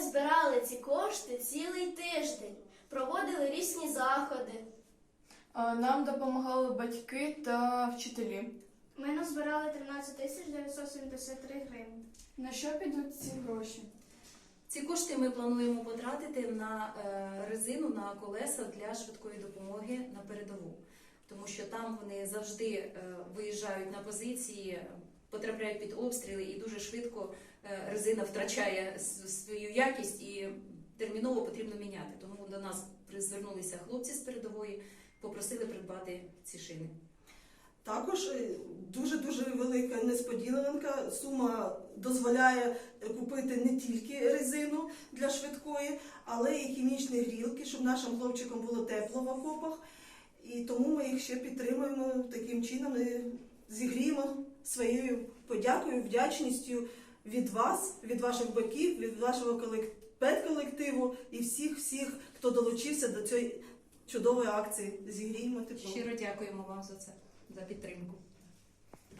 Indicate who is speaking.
Speaker 1: збирали ці кошти цілий тиждень, проводили різні заходи.
Speaker 2: Нам допомагали батьки та вчителі.
Speaker 1: Ми назбирали 13 973 гривні.
Speaker 2: На що підуть ці гроші?
Speaker 3: Ці кошти ми плануємо потратити на резину, на колеса для швидкої допомоги на передову. Тому що там вони завжди виїжджають на позиції, потрапляють під обстріли і дуже швидко резина втрачає свою якість і терміново потрібно міняти. Тому до нас звернулися хлопці з передової, попросили придбати ці шини.
Speaker 4: Також дуже-дуже велика несподіванка. Сума дозволяє купити не тільки резину для швидкої, але й хімічні грілки, щоб нашим хлопчикам було тепло в окопах. І тому ми їх ще підтримуємо таким чином, зігріємо своєю подякою, вдячністю від вас, від ваших батьків, від вашого педколективу і всіх, хто долучився до цієї чудової акції. Зігріємо тепло.
Speaker 3: Щиро дякуємо вам за це, за підтримку.